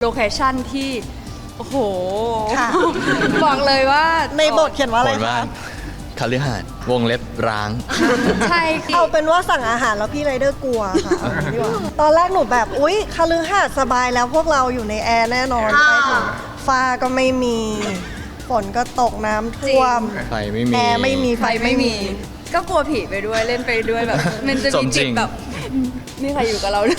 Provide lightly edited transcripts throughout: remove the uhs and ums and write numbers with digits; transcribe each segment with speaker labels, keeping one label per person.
Speaker 1: เคชั่นที่โอ้โหบอกเลยว่า
Speaker 2: ในบทเขียนว่าอะไรคะ
Speaker 3: คฤหาสน์วงเล็บร้าง
Speaker 1: ใช่
Speaker 2: เอาเป็นว่าสั่งอาหารแล้วพี่ไรเดอร์กลัวค่ะดีกว่าตอนแรกหนูแบบอุ๊ยคฤหาสน์สบายแล้วพวกเราอยู่ในแอร์แน่นอนไปถึงฟ้าก็ไม่มีฝนก็ตกน้ำท่วม
Speaker 3: ไฟไม่มี
Speaker 2: แอร์ไม่มีไฟ
Speaker 1: ไฟไม่มี ก็กลัวผีไปด้วยเล่นไปด้วยแบบ มันจะมีจิตแบบนี่ใครอยู่กับเราด้วย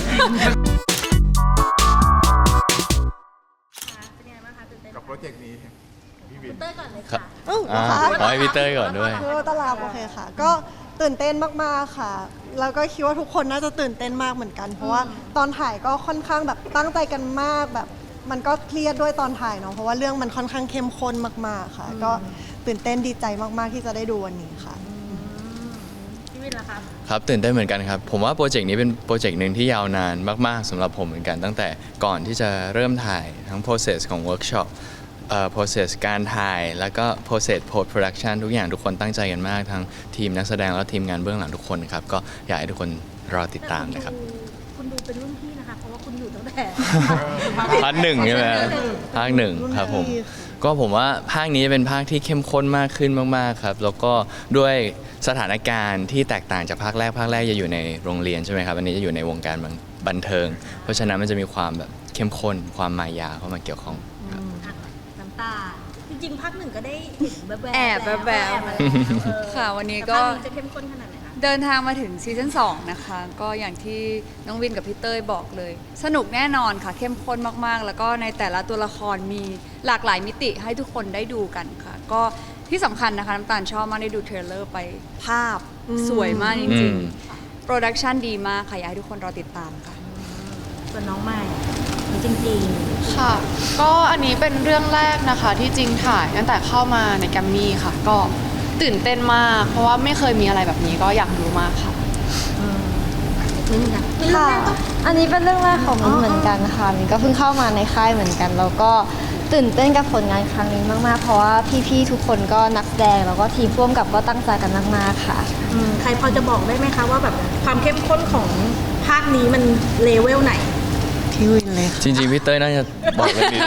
Speaker 4: กับโปรเจกต์นี้พี่วิน
Speaker 3: ครับขอให้พี่เต้ยก่อนด้วย
Speaker 2: ตลาดโอเคค่ะ ก็ตื่นเต้นมากๆค่ะ แล้วก็คิดว่าทุกคนน่าจะตื่นเต้นมากเหมือนกัน เพราะว่าตอนถ่ายก็ค่อนข้างแบบตั้งใจกันมากแบบมันก็เครียดด้วยตอนถ่ายเนาะเพราะว่าเรื่องมันค่อนข้างเข้มข้นมากๆค่ะ ก็ตื่นเต้นดีใจมากๆที่จะได้ดูวันนี้ค่ะ
Speaker 5: พี่วินล่ะครับ
Speaker 3: ครับตื่นเต้นเหมือนกันครับผมว่าโปรเจกต์นี้เป็นโปรเจกต์หนึ่งที่ยาวนานมากๆสำหรับผมเหมือนกันตั้งแต่ก่อนที่จะเริ่มถ่ายทั้ง process ของเวิร์กช็อปprocess การถ่ายแล้วก็ process post production ทุกอย่างทุกคนตั้งใจกันมากทั้งทีมนักแสดงและทีมงานเบื้องหลังทุกคนครับก็อยากให้ทุกคนรอติดตามนะครับ
Speaker 5: คุณดูเป็นรุ่นพี่นะคะเพราะว่าคุณอยู่ตั้งแต่
Speaker 3: ภาคหนึ่งใช่ไหมภาคหนึ่งครับผมก็ผมว่าภาคนี้เป็นภาคที่เข้มข้นมากขึ้นมากๆครับแล้วก็ด้วยสถานการณ์ที่แตกต่างจากภาคแรกจะอยู่ในโรงเรียนใช่ไหมครับอันนี้จะอยู่ในวงการบันเทิง เพราะฉะนั้นมันจะมีความแบบเข้มข้นความมายาเข้ามาเกี่ยวข้องครับ
Speaker 5: น้ำตาจริงๆภาคหนึ่งก็ได้เห็นแบบ
Speaker 1: แอบแบบ ค่ะวันนี้ก็
Speaker 5: ภาคนี้จะเข้มข้นขนาดไหนคะ
Speaker 1: เดินทางมาถึงซีซั่น2นะคะก็อย่างที่น้องวินกับพี่เต้ยบอกเลย สนุกแน่นอนค่ะเข้มข้นมากๆ แล้วก็ในแต่ละตัวละครมีหลากหลายมิติให้ทุกคนได้ดูกันค่ะ ก็ที่สำคัญนะคะน้ำตาลชอบมากได้ดูเทรลเลอร์ไปภาพสวยมากจริงๆโปรดักชันดีมากค่ะอยากให้ทุกคนรอติดตามค่ะ
Speaker 5: ส่วนน้องใหม่จริง
Speaker 6: ค่ะ ก็อันนี้เป็นเรื่องแรกนะคะที่จริงถ่ายตั้งแต่เข้ามาในแกรมมี่ค่ะ ก็ตื่นเต้นมาก เพราะว่าไม่เคยมีอะไรแบบนี้ก็อยากดูมากค่ะ
Speaker 5: ๆนี่นะ
Speaker 7: ค่ะ อันนี้เป็นเรื่องแรกของมินเหมือนกันค่ะมินก็เพิ่งเข้ามาในค่ายเหมือนกัน แล้วก็ตื่นเต้นกับผลงานครั้งนี้มากๆ เพราะว่าพี่ๆทุกคนก็นักแสดงแล้วก็ทีมร่วมกับก็ตั้งใจกันมากๆค่ะ
Speaker 5: ใครพอจะบอกได้ไหมคะว่าแบบความเข้มข้นของภาคนี้มันเลเวลไหน
Speaker 2: พี่วินเลยค่ะ
Speaker 3: จริงๆพี่เต้ยน่าจะบอกเรื่องนี้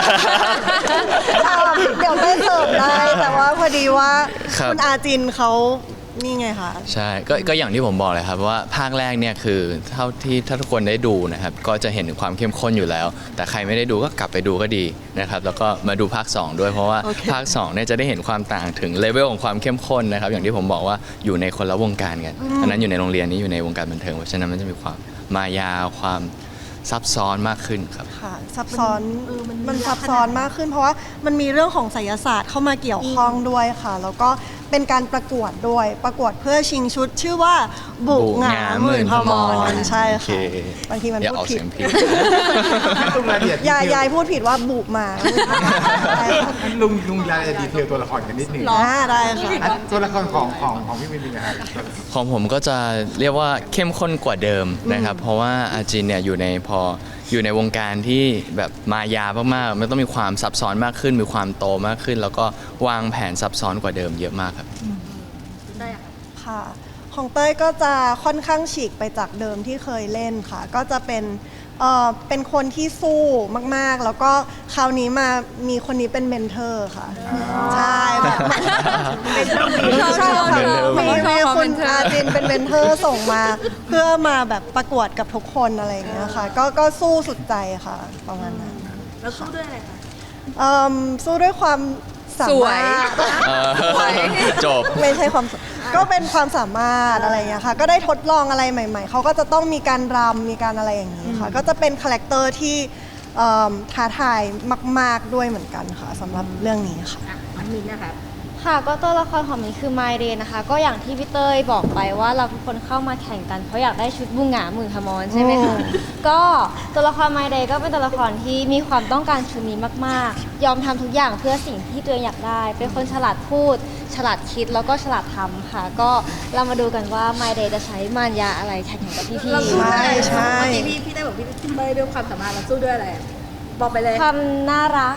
Speaker 2: เดี๋ยวไม่เสิร์ฟได้แต่ว่าพอดีว่า
Speaker 3: ครับ
Speaker 2: คุณอาจินเขานี่ไงคะ
Speaker 3: ใช่ก็อย่างที่ผมบอกเลยครับว่าภาคแรกเนี่ยคือเท่าที่ถ้าทุกคนได้ดูนะครับก็จะเห็นถึงความเข้มข้นอยู่แล้ว แต่ใครไม่ได้ดูก็กลับไปดูก็ดีนะครับแล้วก็มาดูภาค 2 ด้วยเพราะว่าภาค2เนี่ยจะได้เห็นความต่างถึงเลเวลของความเข้มข้นนะครับอย่างที่ผมบอกว่าอยู่ในคนละวงการกันอันนั้นอยู่ในโรงเรียนนี้อยู่ในวงการบันเทิงเพราะฉะนั้นมันจะมีความมายาความซับซ้อนมากขึ้นครับ
Speaker 2: ค่ะซับซ้อนมันซับซ้อนมากขึ้น เพราะว่ามันมีเรื่องของไสยศาสตร์เข้ามาเกี่ยวข้องด้วยค่ะ แล้วก็เป็นการประกวดด้วยประกวดเพื่อชิงชุดชื่อว่าบุกหงาหมื่นพมรใช่
Speaker 3: โอเค
Speaker 2: ค่ะบางทีมัน
Speaker 3: อย่า
Speaker 2: พู
Speaker 3: อ
Speaker 2: ด
Speaker 3: อก
Speaker 2: ผิ
Speaker 3: เสี
Speaker 2: ด
Speaker 3: ยงผิด
Speaker 4: ลุงรายละเอียด
Speaker 2: ยายพูดผิดว่าบุกมาใช่ค่ะ
Speaker 4: ลุงรายละเอียดดีเทลตัวละครกันนิดหนึ่ง
Speaker 2: ได้ค่ะ
Speaker 4: ตัวละครของพี่วินเป็นยังไงครับ
Speaker 3: ของผมก็จะเรียกว่าเข้มข้นกว่าเดิมนะครับ เพราะว่าอาจินเนี่ยอยู่ในวงการที่แบบมายามากๆมันต้องมีความซับซ้อนมากขึ้น มีความโตมากขึ้น แล้วก็วางแผนซับซ้อนกว่าเดิมเยอะมากครับ
Speaker 5: ได้อะ
Speaker 2: ค่ะของเต้ยก็จะค่อนข้างฉีกไปจากเดิมที่เคยเล่นค่ะ ก็จะเป็นคนที่สู้มากๆ แล้วก็คราวนี้มามีคนนี้เป็นเมนเทอร์ค่ะใช่แบบชอบค่ะมีคุณอาจินเป็นเมนเทอร์ส่งมา เพื่อมาแบบประกวดกับทุกคนอะไรอย่างเงี้ยค่ะก็สู้สุดใจค่ะประมาณนั้น
Speaker 5: แล้วสู้ด้วยอะไรคะ
Speaker 2: สู้ด้วยความสามารถ
Speaker 3: จบ
Speaker 2: ไม่ใช่ความก็เป็นความสามารถอะไรอย่างเงี้ยค่ะก็ได้ทดลองอะไรใหม่ๆเขาก็จะต้องมีการรำมีการอะไรอย่างนี้ค่ะก็จะเป็นคาแรคเตอร์ที่ท้าทายมากๆด้วยเหมือนกันค่ะสำหรับเรื่องนี้ค่ะ
Speaker 5: อันมินนะครับ
Speaker 7: ค่ะก็ตัวละครของมินคือไมเดนนะคะ ก็อย่างที่พี่เต้ยบอกไปว่าเราทุกคนเข้ามาแข่งกันเพราะอยากได้ชุดบุงหงาหมื่นพมรใช่ไหมคะก็ตัวละครไมเดนก็เป็นตัวละครที่มีความต้องการชุดนี้มากๆ ยอมทำทุกอย่างเพื่อสิ่งที่ตัวเองอยากได้ เป็นคนฉลาดพูด ฉลาดคิดแล้วก็ฉลาดทำค่ะ ก็เรามาดูกันว่าไมเดนจะใช้มารยาอะไรแข่งกับพี่
Speaker 5: เราสู้ด้วยอะไร
Speaker 2: ใช่
Speaker 5: เมื่อกี้พี่ได้บอกพี่เต้ยด้วยความสามารถเราสู้ด้วยอะไรอะบอกไปเลย
Speaker 7: ๆความน่ารัก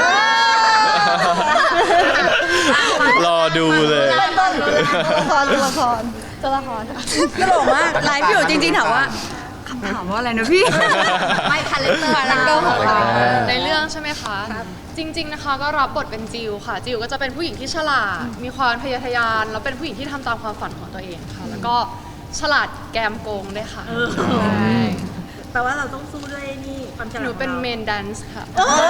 Speaker 3: รอดูเลย
Speaker 2: ตัวละคร
Speaker 7: ตัวละครค่ะ
Speaker 1: ตลกมากไลฟ์อยู่จริงๆถามว่าอะไรนะพี่
Speaker 5: ไม่คาแรคเตอร์
Speaker 1: คาแรคเตอร์ของเรา
Speaker 6: คะ จริง ๆนะคะ ก็รับบทเป็นจิวค่ะ จิวก็จะเป็นผู้หญิงที่ฉลาด มีความทะเยอทะยาน แล้วเป็นผู้หญิงที่ทำตามความฝันของตัวเองค่ะ แล้วก็ฉลาดแกมโกงด้วยค่ะใช่
Speaker 5: แปลว่าเราต้องสู้ด้วยนี่ความฉลาด
Speaker 6: หนูเป็น
Speaker 5: ของ
Speaker 6: เม
Speaker 5: รา
Speaker 6: นแดนซ์ค่ะ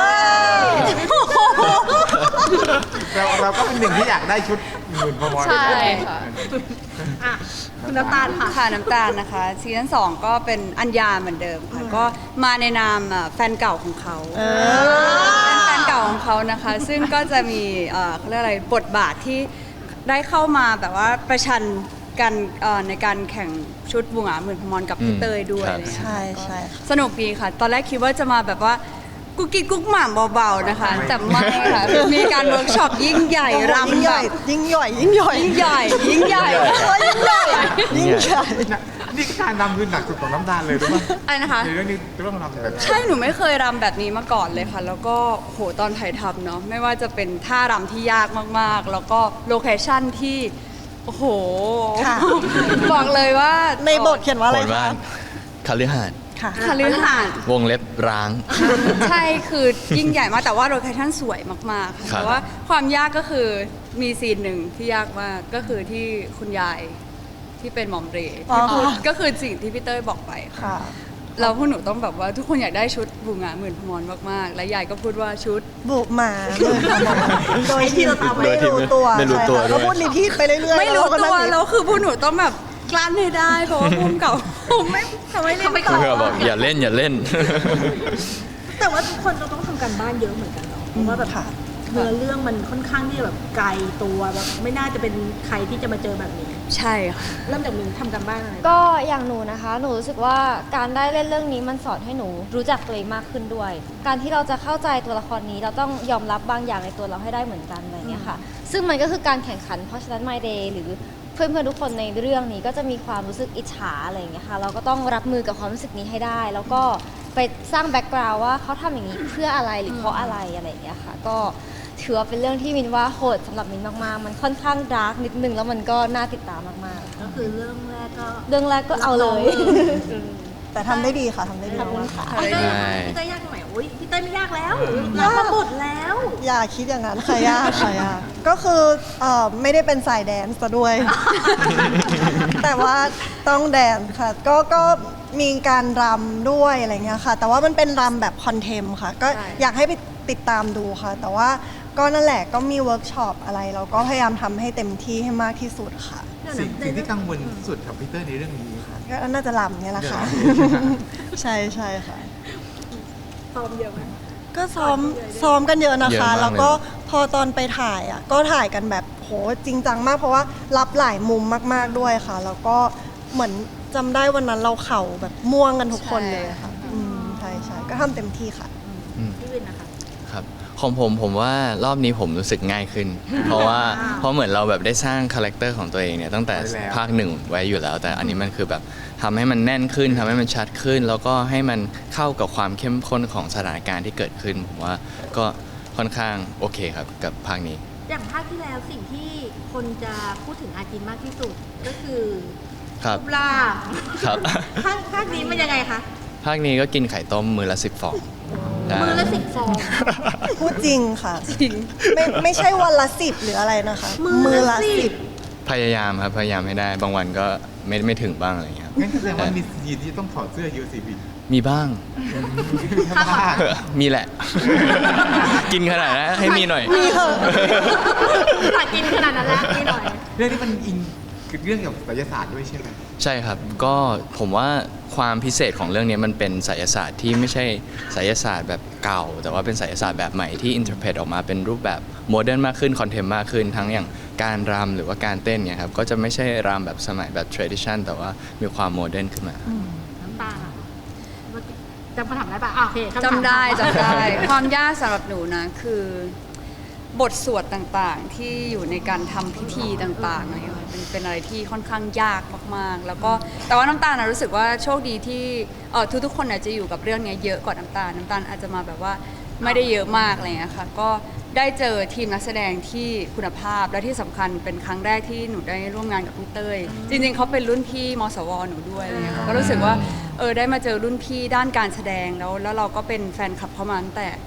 Speaker 4: เราก็เป็นหนึ่งที่อยากได้ชุดหมื่นพมร
Speaker 6: ใช่ค่ะ
Speaker 5: อ่ะคุณน้ำตาลค่ะ
Speaker 1: ค่ะน้ำตาลนะคะซีซั่น2ก็เป็นอัญญาเหมือนเดิมค่ะก็มาในนามแฟนเก่าของเขาเป็นแฟนเก่าของเขานะคะ ซึ่งก็จะมีเขาเรียกอะไรบทบาทที่ได้เข้ามาแบบว่าประชันกันในการแข่งชุดบุงหงาหมื่นพมรกับพี่เตยด้วย
Speaker 3: ครับ
Speaker 1: อะไรเลย
Speaker 2: ใช่ใช่ค่ะ
Speaker 1: สนุกดีค่ะ ตอนแรกคิดว่าจะมาแบบว่ากุ๊กกิ๊กกุ๊กหม่ำเบาๆนะคะแต่ไม่ค่ะมีการเวิร์กช็อปยิ่งใหญ่รำ
Speaker 2: ยิ่งให
Speaker 1: แบ
Speaker 2: ญ่
Speaker 1: บ
Speaker 2: ยิ่งใหญ่ยิ่งใหญ่
Speaker 1: ยิ่งใหญ่ยิ่งใหญ่
Speaker 2: ยิ่งใหญ่ยิ่งใหญ่
Speaker 4: นี่การรำคือหนักสุดของน้ำตาลเลยรู้ไหม
Speaker 1: อะไรนะคะ
Speaker 4: ในเรื่องนี้ต้องรำแบบ
Speaker 1: ใช่ หนูไม่เคยรำแบบนี้มาก่อนเลยค่ะ แล้วก็โหตอนถ่ายทำเนาะไม่ว่าจะเป็นท่ารำที่ยากมากๆ แล้วก็โลเคชั่นที่ โอ้โห
Speaker 2: ค่ะ
Speaker 1: บอกเลยว่า
Speaker 2: ในบทเขียนว่าอะไร
Speaker 3: ผลว่า
Speaker 2: คะ
Speaker 3: คาลือหาด
Speaker 2: ค่ะ
Speaker 1: คาลือหาด
Speaker 3: วงเล็บร้าง
Speaker 1: ใช่คือยิ่งใหญ่มาก แต่ว่าโลเคชั่นสวยมากๆค่ะ
Speaker 3: ครับ
Speaker 1: แต่ว่าความยากก็คือมีซีนหนึ่งที่ยากมากก็คือที่คุณยายที่เป็นหมอมเรย์
Speaker 2: อ๋อ
Speaker 1: ที่พูดก็คือสิ่งที่พี่เต้ยบอกไปค่ะ
Speaker 2: ค่ะ
Speaker 1: เราพวกหนูต้องแบบว่าทุกคนอยากได้ชุดบูงาหมื่นพมรมากๆ และยายก็พูดว่าชุด
Speaker 2: บุกหมาเมืองขมรโดยที่เราตาม
Speaker 3: โดยที่
Speaker 2: ไม่รู้ตัว
Speaker 3: ไม่รู้ตัว
Speaker 2: ใช่ค่ะ
Speaker 3: ด้วย
Speaker 2: ก็พูดรีพีทไปเรื่อยๆ
Speaker 1: ไม่รู้
Speaker 2: แล้ก็
Speaker 1: ตัว
Speaker 2: นั่ง
Speaker 1: แล้วคือพวกหนูต้องแบบกลั้นให้ได้ เพราะว่าภูมิเก่าผมไม่เขาไม่เล่นต่อ
Speaker 3: เพื่อบอกอย่าเล่นอย่าเล่น
Speaker 5: แต่ว่าทุกคนจะต้องทำการบ้านเยอะเหมือนกันเนาะเพราะว่าแบบ
Speaker 2: ค่ะ
Speaker 5: เนื้อเรื่องมันค่อนข้างที่จะแบบไกลตัวแบบไม่น่าจะเป็นใครที่จะมาเจอแบบนี้
Speaker 1: ใช่ค่ะ
Speaker 5: เริ่มจากมีทำการบ้านอะไร
Speaker 7: ก็อย่างหนูนะคะ หนูรู้สึกว่าการได้เล่นเรื่องนี้มันสอนให้หนูรู้จักตัวเองมากขึ้นด้วย การที่เราจะเข้าใจตัวละครนี้เราต้องยอมรับบางอย่างในตัวเราให้ได้เหมือนกันอะไรอย่างเงี้ยค่ะ ซึ่งมันก็คือการแข่งขัน เพราะฉะนั้น My Day หรือเพื่อนๆทุกคนในเรื่องนี้ก็จะมีความรู้สึกอิจฉาอะไรอย่างเงี้ยค่ะ เราก็ต้องรับมือกับความรู้สึกนี้ให้ได้ แล้วก็ไปสร้างแบ็กกราวด์ว่าเขาทำอย่างนี้เพื่ออะไรหรือเพราะอะไรอะไรอย่างเงี้ยค่ะ ก็ถือว่าเป็นเรื่องที่มินว่าโหดสำหรับมินมากๆ มันค่อนข้างดาร์กนิดนึงแล้วมันก็น่าติดตามมากๆ
Speaker 5: ก็คือเรื่องแรกก็
Speaker 7: เรื่องแรกก็เอาเลย
Speaker 2: แต่ทำได้ดีค่ะทำได้ดี
Speaker 7: ขอบคุณ
Speaker 2: มาก
Speaker 7: ค่ะ
Speaker 5: พี่เต้ย
Speaker 3: ใช่
Speaker 5: พี่เต้ยยากตรงไหนโอ้ยพี่เต้ยไม่ยากแล้วรับมาบทแล้ว
Speaker 2: อย่าคิดอย่างนั้นค่ะยากค่ะยากก็คือไม่ได้เป็นสายแดนซ์ซะด้วย แต่ว่าต้องแดนซ์ค่ะ ก็มีการรำด้วยอะไรเงี้ยค่ะ แต่ว่ามันเป็นรำแบบคอนเทมค่ะ ก็
Speaker 1: ใช่
Speaker 2: อยากให้ไปติดตามดูค่ะ แต่ว่าก็นั่นแหละก็มีเวิร์กช็อปอะไร เราก็พยายามทำให้เต็มที่ให้มากที่สุดค่ะ
Speaker 4: สิ่งที่กังวลที่สุดกับพีเตอร์ในเรื่องนี้ครับ
Speaker 2: ก็น่าจะรำเนี่ยแหละค่ะ ใช่ใช่ค่ะ
Speaker 5: ซ้อมเยอะไหม
Speaker 2: ก็ซ้อมกันเยอะนะ
Speaker 3: เยอะ
Speaker 2: คะ
Speaker 3: มากเลย
Speaker 2: แล้วก็พอตอนไปถ่ายอ่ะก็ถ่ายกันแบบโหจริงจังมากเพราะว่ารับหลายมุมมากๆด้วยค่ะ แล้วก็เหมือนจำได้วันนั้นเราเข่าแบบม่วงกันทุกคนเลยค่ะใช่ใช่ก็ทำเต็มที่ค่ะ
Speaker 5: พี่วินนะคะ
Speaker 3: ครับของผมว่ารอบนี้ผมรู้สึกง่ายขึ้น เพราะเหมือนเราแบบได้สร้างคาแรคเตอร์ของตัวเองเนี่ยตั้งแต่ภาคหนึ่งไว้อยู่แล้ว แต่อันนี้มันคือแบบทำให้มันแน่นขึ้นทำให้มันชัดขึ้น แล้วก็ให้มันเข้ากับความเข้มข้นของสถานการณ์ที่เกิดขึ้นผมว่าก็ค่อนข้างโอเคครับกับภาคนี้
Speaker 5: อย่างภาคที่แล้วสิ่งที่คนจะพูดถึงอาจินมากที่สุดก็คือ
Speaker 3: ครับ
Speaker 5: ปลา
Speaker 3: ครับ
Speaker 5: ภาคนี้มันยังไงคะ
Speaker 3: ภาคนี้ก็กินไข่ต้มมือละ10 ฟองได้
Speaker 5: มือละ10 ฟอง
Speaker 2: พูดจริงค่ะ
Speaker 1: จริง
Speaker 2: ไม่ใช่วันละ10หรืออะไรนะคะ
Speaker 5: มือละ
Speaker 2: 10
Speaker 3: พยายามครับพยายามให้ได้ บางวันก็ไม่ถึงบ้างอะไรอย่างเงี้ยครับ
Speaker 4: งั้นแสดงว่ามีซีนที่ต้องถอดเสื้อยูซีบี
Speaker 3: มีบ้าง
Speaker 4: ถ้าพลาด
Speaker 3: มีแหละ กินขนาดนั้นให้มีหน่อย
Speaker 5: ตัดกินขนาดนั้นแล้วนี่หน่อย
Speaker 4: เรื่องนี้มันอิงคือเรื่องเกี่ยวกับไสยศาสตร์ด้วยใช่ไหม
Speaker 3: ใช่ครับ ก็ผมว่าความพิเศษของเรื่องนี้มันเป็นไสยศาสตร์ที่ไม่ใช่ไสยศาสตร์แบบเก่า แต่ว่าเป็นไสยศาสตร์แบบใหม่ที่อินเทอร์เพตออกมาเป็นรูปแบบโมเดิร์นมากขึ้นคอนเทมมากขึ้น ทั้งอย่างการรำหรือว่าการเต้นเนี่ยครับก็จะไม่ใช่รำแบบสมัยแบบ tradition แต่ว่ามีความโมเดิร์นขึ้นมา
Speaker 5: น้ำตาลอะจำคำถามได้ปะโอเคคำถาม
Speaker 1: จำได้ ความยากสำหรับหนูนะคือบทสวดต่างๆ ที่อยู่ในการทำพิธีต่างๆอะไรอย่างเงี้ยเป็นอะไรที่ค่อนข้างยากมากๆ แล้วก็แต่ว่าน้ำตาลนะรู้สึกว่าโชคดีที่ทุกๆคนอาจจะอยู่กับเรื่องเนี้ยเยอะกว่าน้ำตาลอาจจะมาแบบว่าไม่ได้เยอะมากอะไรอย่างเงี้ยค่ะก็ได้เจอทีมนักแสดงที่คุณภาพและที่สำคัญเป็นครั้งแรกที่หนูได้ร่วมงานกับพี่เต้ยจริงๆเขาเป็นรุ่นพี่มสวหนูด้วยอะไรเงี้ยค่ะก็รู้สึกว่าได้มาเจอรุ่นพี่ด้านการแสดงแล้วเราก็เป็นแฟนคลับเขามาตั้งแต่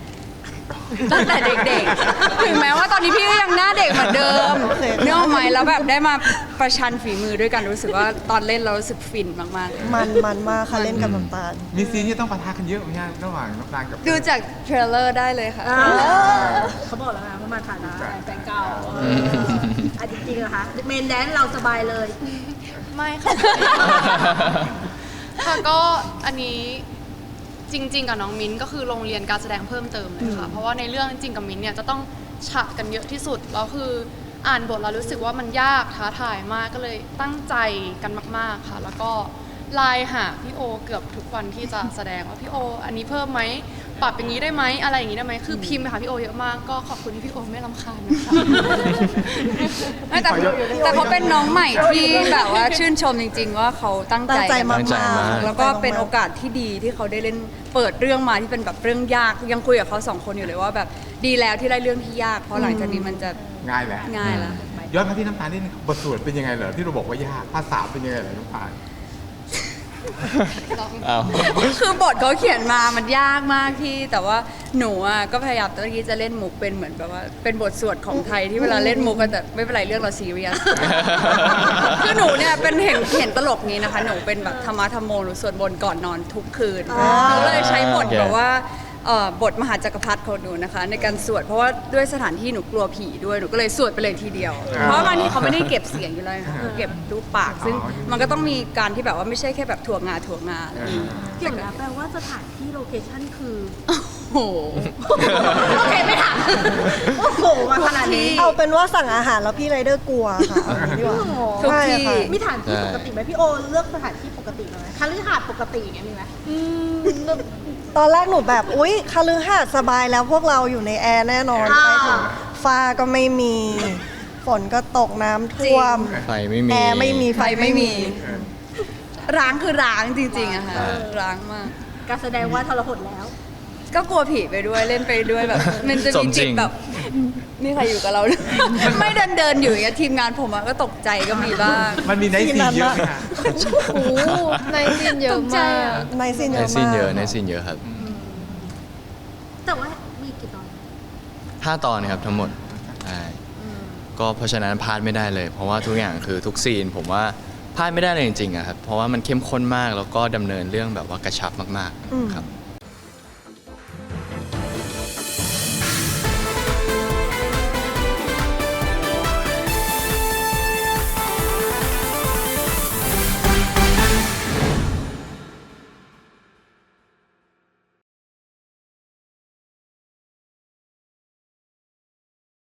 Speaker 1: ตั้งแต่เด็กๆ ถึงแม้ว่าตอนนี้พี่ก็ยังหน้าเด็กเหมือนเดิมเนื้ออกไหมแล้วแบบได้มาประชันฝีมือด้วยกันรู้สึกว่าตอนเล่นเรารู้สึกฟินมากๆเลย
Speaker 2: มันมากค่ะเล่นกับน้ำตาล
Speaker 4: มีซีนที่ต้องปะทะกันเยอะไหมฮะระหว่างน้ำตาลกับ
Speaker 1: ดูจากเทรลเลอร์ได้เลยค่ะ
Speaker 5: เขาบอกแล้วนะว่ามาฐานะแฟนเก่าอ่ะจริงๆเหรอคะเมนแดนซ์เราสบายเลย
Speaker 6: ไม่ค่ะ ค่ะก็อันนี้จริง ๆ กับน้องมิ้นก็คือโรงเรียนการแสดงเพิ่มเติมเลยค่ะ เพราะว่าในเรื่องจริงกับมิ้นเนี่ยจะต้องฉะกันเยอะที่สุดแล้วคืออ่านบทเรารู้สึกว่ามันยากท้าทายมากก็เลยตั้งใจกันมาก ๆค่ะ แล้วก็ไลน์หาพี่โอเกือบทุกวันที่จะแสดงว่าพี่โออันนี้เพิ่มไหมปรับอย่างนี้ได้ไหมอะไรอย่างนี้ได้ไหมคือพิมพ์ไปหาพี่โอเยอะมากก็ขอบคุณที่พี่โอไม่รำคาญนะคะ
Speaker 1: ไม่แต่เขาเป็นน้องใหม่ที่แบบว่าชื่นชมจริง ๆ ว่าเขาตั้งใจ
Speaker 2: ตั้งใจมาก
Speaker 3: ตั้งใจมาก
Speaker 1: แล้วก็เป็นโอกาสที่ดีที่เขาได้เล่นเปิดเรื่องมาที่เป็นแบบเรื่องยากยังคุยกับเขาสองคนอยู่เลยว่าแบบดีแล้วที่ได้เรื่องที่ยากเพราะหลังจากนี้มันจะ
Speaker 4: ง่ายแหละ
Speaker 1: ง่ายแล้ว
Speaker 4: ย้อนมาที่น้ำตาลนิดนึงบทสวดเป็นยังไงเหรอที่เราบอกว่ายากภาษาเป็นยังไงเหรอน้ำตาล
Speaker 3: เอา
Speaker 1: คือบทเขาเขียนมามันยากมากที่แต่ว่าหนูอ่ะก็พยายามตอนนี้จะเล่นมุกเป็นเหมือนแบบว่าเป็นบทสวดของไทยที่เวลาเล่นมุกกันแต่ไม่เป็นไรเรื่องเราซีเรียส คือหนูเนี่ยเป็นเห็นตลกนี้นะคะ หนูเป็นแบบธรรมะธรรมโมหนูสวดบนต์ก่อนนอนทุกคืนหนูเลยใช้บทแบบว่าบทมหาจักรพรรดิของหนูนะคะ ในการสวดเพราะว่าด้วยสถานที่หนูกลัวผีด้วยหนูก็เลยสวดไปเลยทีเดียว เพราะบางทีเขาไม่ได้เก็บเสียงอยู่แล้วนะคะเก็บรูปปาก ซึ่งมันก็ต้องมีการที่แบบว่าไม่ใช่แค่แบบถั่วงาอะไรอย่างเงี้ย
Speaker 5: เดี๋ยวนะแปลว่าสถานที่โลเคชั่นคือ
Speaker 1: โอ้โห
Speaker 5: โอเคไม่ถามโอ้โหมาขนาดนี้
Speaker 2: เอาเป็นว่าสั่งอาหารแล้วพี่ไรเดอร์กลัวค่ะเอาอย่างนี้ดีกว่า
Speaker 1: ทุก
Speaker 2: ใช่
Speaker 1: ที่
Speaker 2: ค่ะ
Speaker 5: มีสถานที่ปกติไหมพี่โอเลือกสถานที่ปกติไหมคฤหาสน์ปกติอย่างเงี้ยมีไหม
Speaker 2: ตอนแรกหนูแบบอุ๊ยคฤหาสน์สบายแล้วพวกเราอยู่ในแอร์แน่นอนไปถึงฟ้าก็ไม่มี ฝนก็ตกน้ำท่วม
Speaker 3: ไฟไม่มี
Speaker 2: แอร์ไม่มีไฟไม่มี
Speaker 1: ร้างคือร้างจริงๆอะค่ะร้างมาก
Speaker 5: การแสดงว่าทรหดแล้ว
Speaker 1: ก็กลัวผีไปด้วยเล่นไปด้วยแบบ มันจะ
Speaker 3: ส
Speaker 1: มี
Speaker 3: มจริ
Speaker 1: จิ
Speaker 3: ง
Speaker 1: ตแบบนี่ใครอยู่กับเรา ไม่เดินอยู่อย่างเงี้ยทีมงานผมอะก็ตกใจก็มีบ้าง
Speaker 4: มันมีไนท์ซีนเยอะไหมฮะ
Speaker 7: โอ้โหในซีนเยอะมาก
Speaker 2: ในซีนเย
Speaker 3: ใน
Speaker 2: อะ
Speaker 3: ซี
Speaker 2: มาน ก
Speaker 3: เยอะในซีนเยอะครับ
Speaker 5: แต่ว่ามีกี่ตอน
Speaker 3: 5 ตอนครับทั้งหมดใช่ก็เพราะฉะนั้นพลาดไม่ได้เลย เพราะว่าทุกอย่างคือทุกซีนผมว่าพลาดไม่ได้เลยจริงๆอะครับเพราะว่ามันเข้มข้นมากแล้วก็ดำเนินเรื่องแบบว่ากระชับมาก
Speaker 2: อืม
Speaker 3: ๆครับ